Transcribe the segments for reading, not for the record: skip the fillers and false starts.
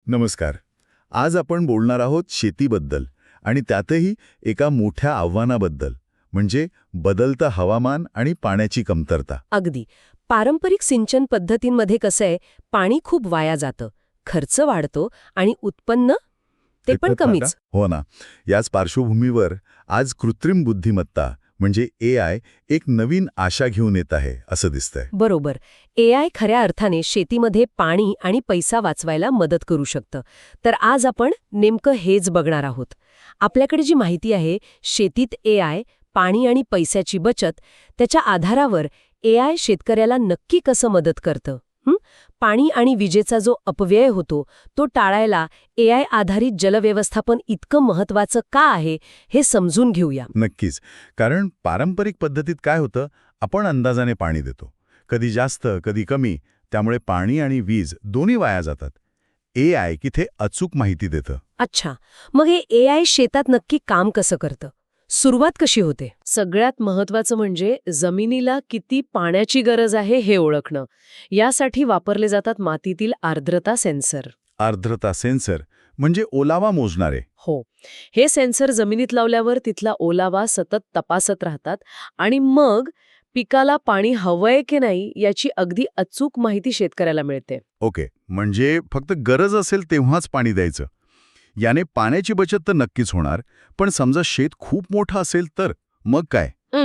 नमस्कार. आज आपण बोलणार आहोत शेतीबद्दल आणि त्यातही एका मोठ्या आव्हानाबद्दल, म्हणजे बदलतं हवामान आणि पाण्याची कमतरता. अगदी. पारंपरिक सिंचन पद्धतींमध्ये कसं आहे, पाणी खूप वाया जातं, खर्च वाढतो आणि उत्पन्न ते पण कमीच. हो ना. याच पार्श्वभूमीवर आज कृत्रिम बुद्धिमत्ता म्हणजे AI एक नवीन आशा घेऊन येत आहे असं दिसतंय. बरोबर. AI खऱ्या अर्थाने शेतीमध्ये पाणी आणि पैसा वाचवायला मदत करू शकतं. तर आज आपण नेमकं हेच बघणार आहोत. आपल्याकडे जी माहिती आहे, शेतीत AI, पाणी आणि पैशाची बचत, त्याच्या आधारावर AI शेतकऱ्याला नक्की कसं मदत करतं? पाणी आणि विजेचा जो अपव्यय होतो तो टाळायला AI आधारित जलव्यवस्थापन इतकं महत्वाचं का आहे हे समजून घेऊया. नक्कीच. कारण पारंपरिक पद्धतीत काय होतं, आपण अंदाजाने पाणी देतो. कधी जास्त, कधी कमी. त्यामुळे पाणी आणि वीज दोन्ही वाया जातात. AI किथे अचूक माहिती देतं. अच्छा, मग हे AI शेतात नक्की काम कसं करतं? सुरुवात कशी होते? सगळ्यात महत्वाचं म्हणजे जमिनीला किती पाण्याची गरज आहे हे ओळखणं. यासाठी वापरले जातात मातीतील आर्द्रता सेन्सर. आर्द्रता सेन्सर म्हणजे ओलावा मोजणारे. हो, हे सेन्सर जमिनीत लावल्यावर तिथला ओलावा सतत तपासत राहतात आणि मग पिकाला पाणी हवंय की नाही याची अगदी अचूक माहिती शेतकऱ्याला मिळते. ओके, म्हणजे फक्त गरज असेल तेव्हाच पाणी द्यायचं. याने पाण्याची बचत तर नक्कीच होणार, पण समजा शेत खूप मोठं असेल तर मग काय?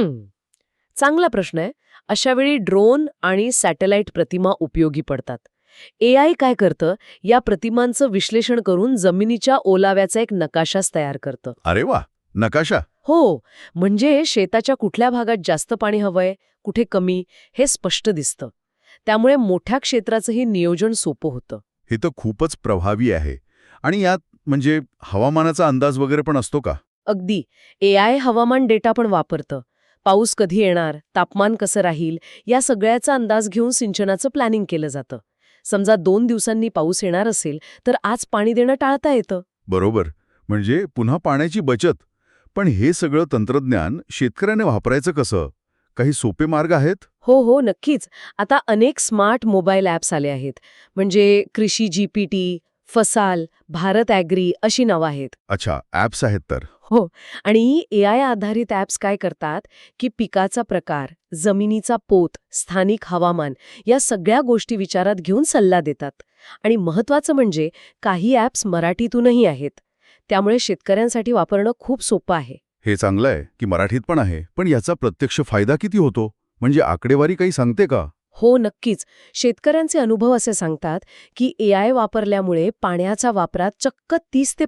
चांगला प्रश्न आहे. अशावेळी ड्रोन आणि सॅटेलाइट प्रतिमा उपयोगी पडतात. AI काय करतं, या प्रतिमांचं विश्लेषण करून जमिनीच्या ओलाव्याचा एक नकाशाच तयार करतं. अरे वा, नकाशा. हो, म्हणजे शेताच्या कुठल्या भागात जास्त पाणी हवंय, कुठे कमी, हे स्पष्ट दिसतं. त्यामुळे मोठ्या क्षेत्राचंही नियोजन सोपं होतं. हे तर खूपच प्रभावी आहे. आणि यात म्हणजे हवामानाचा अंदाज वगैरे पण असतो का? अगदी. AI हवामान डेटा पण वापरतं. पाऊस कधी येणार, तापमान कसं राहील, या सगळ्याचा अंदाज घेऊन सिंचनाचं प्लॅनिंग केलं जातं. समजा 2 दिवसांनी पाऊस येणार असेल, तर आज पाणी देणं टाळता येतं. बरोबर. म्हणजे पुन्हा पाण्याची बचत. पण हे सगळं तंत्रज्ञान शेतकऱ्याने वापरायचं कसं? काही सोपे मार्ग आहेत? हो, नक्कीच. आता अनेक स्मार्ट मोबाईल ॲप्स आले आहेत. म्हणजे कृषी GPT, फसाल, भारत ॲग्री अशी नावं आहेत. अच्छा, ॲप्स आहेत तर. हो, आणि AI आधारित ॲप्स काय करतात, की पिकाचा प्रकार, जमिनीचा पोत, स्थानिक हवामान या सगळ्या गोष्टी विचारात घेऊन सल्ला देतात. आणि महत्त्वाचं म्हणजे काही ॲप्स मराठीतूनही आहेत. त्यामुळे शेतकऱ्यांसाठी वापरणं खूप सोपं आहे. हे चांगलं आहे की मराठीत पण आहे. पण याचा प्रत्यक्ष फायदा किती होतो? म्हणजे आकडेवारी काही सांगते का? हो, नक्कीच. शेतकऱ्यांचे अनुभव असे सांगतात, की AI वापरल्यामुळे पाण्याच्या वापरात चक्क 30 ते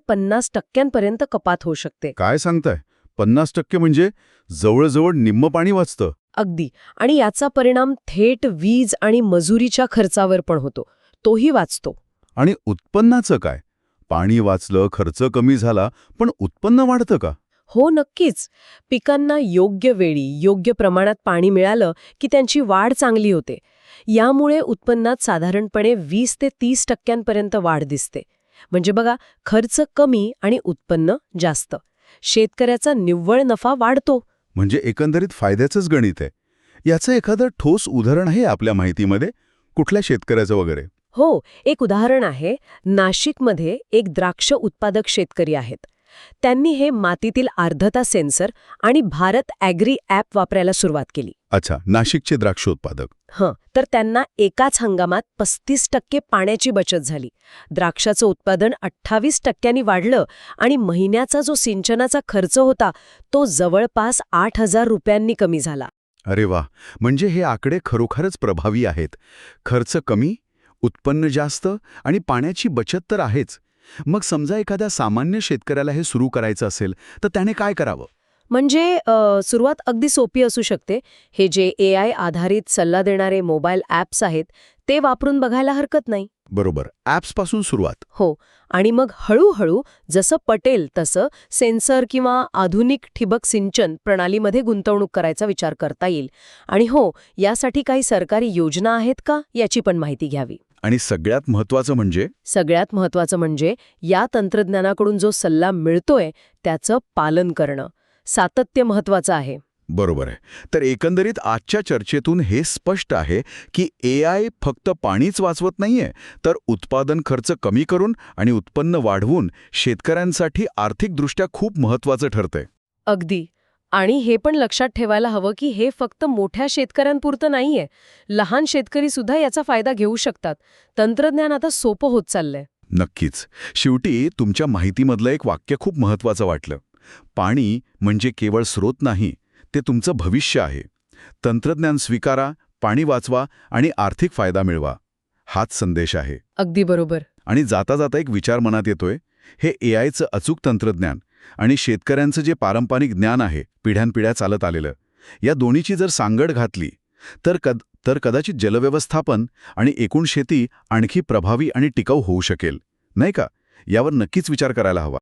50% कपात होऊ शकते. काय सांगताय? 50% म्हणजे जवळजवळ निम्म पाणी वाचतं. अगदी. आणि याचा परिणाम थेट वीज आणि मजुरीच्या खर्चावर पण होतो. तोही वाचतो. आणि उत्पन्नाचं काय? पाणी वाचलं, खर्च कमी झाला, पण उत्पन्न वाढतं का? हो, नक्कीच. पिकांना योग्य वेळी, योग्य प्रमाणात पाणी मिळालं की त्यांची वाढ चांगली होते. यामुळे उत्पन्नात साधारणपणे 20 ते 30% वाढ दिसते. म्हणजे बघा, खर्च कमी आणि उत्पन्न जास्त. शेतकऱ्याचा निव्वळ नफा वाढतो. म्हणजे एकंदरीत फायद्याचंच गणित आहे. याचं एखादं ठोस उदाहरण आहे आपल्या माहितीमध्ये? कुठल्या शेतकऱ्याचं वगैरे? हो, एक उदाहरण आहे. नाशिकमध्ये एक द्राक्ष उत्पादक शेतकरी आहेत. त्यांनी हे मातीतील आर्द्रता सेन्सर आणि भारत ॲग्री ॲप वापरायला सुरुवात केली. अच्छा, नाशिकचे द्राक्ष उत्पादक. तर त्यांना एकाच हंगामात 35% पाण्याची बचत झाली. द्राक्षाचं उत्पादन 28% वाढलं आणि महिन्याचा जो सिंचनाचा खर्च होता तो जवळपास 8,000 रुपयांनी कमी झाला. अरे वा, म्हणजे हे आकडे खरोखरच प्रभावी आहेत. खर्च कमी, उत्पन्न जास्त आणि पाण्याची बचत तर आहेच. मग समजा एखाद्या सामान्य शेतकऱ्याला हे सुरू करायचं असेल तर त्याने काय करावं? म्हणजे सुरुवात अगदी सोपी असू शकते. हे जे AI आधारित सल्ला देणारे मोबाईल ॲप्स आहेत ते वापरून बघायला हरकत नाही. बरोबर, ॲप्सपासून सुरुवात. हो, आणि मग हळूहळू जसं पटेल तसं सेन्सर किंवा आधुनिक ठिबक सिंचन प्रणालीमध्ये गुंतवणूक करायचा विचार करता येईल. आणि हो, यासाठी काही सरकारी योजना आहेत का याची पण माहिती घ्यावी. आणि सगळ्यात महत्त्वाचं म्हणजे या तंत्रज्ञानाकडून जो सल्ला मिळतोय त्याचं पालन करणं. सातत्य महत्त्वाचं आहे. बरोबर आहे. तर एकंदरीत आजच्या चर्चेतून हे स्पष्ट आहे की AI फक्त पाणीच वाचवत नाहीये, तर उत्पादन खर्च कमी करून आणि उत्पन्न वाढवून शेतकऱ्यांसाठी आर्थिकदृष्ट्या खूप महत्वाचं ठरतंय. अगदी. आणि हे पण लक्षात ठेवायला हवं की हे फक्त मोठ्या शेतकऱ्यांपुरतं नाहीये. लहान शेतकरी सुद्धा याचा फायदा घेऊ शकतात. तंत्रज्ञान आता सोपं होत चाललंय. नक्कीच. शेवटी तुमच्या माहितीमधलं एक वाक्य खूप महत्वाचं वाटलं. पाणी म्हणजे केवळ स्रोत नाही, ते तुमचं भविष्य आहे. तंत्रज्ञान स्वीकारा, पाणी वाचवा आणि आर्थिक फायदा मिळवा. हाच संदेश आहे. अगदी बरोबर. आणि जाता जाता एक विचार मनात येतोय, हे AIचं अचूक तंत्रज्ञान आणि शेतकऱ्यांचं जे पारंपरिक ज्ञान आहे, पिढ्यानपिढ्या चालत आलेलं, या दोन्हीची जर सांगड घातली तर कदाचित जलव्यवस्थापन आणि एकूण शेती आणखी प्रभावी आणि टिकाऊ होऊ शकेल, नाही का? यावर नक्कीच विचार करायला हवा.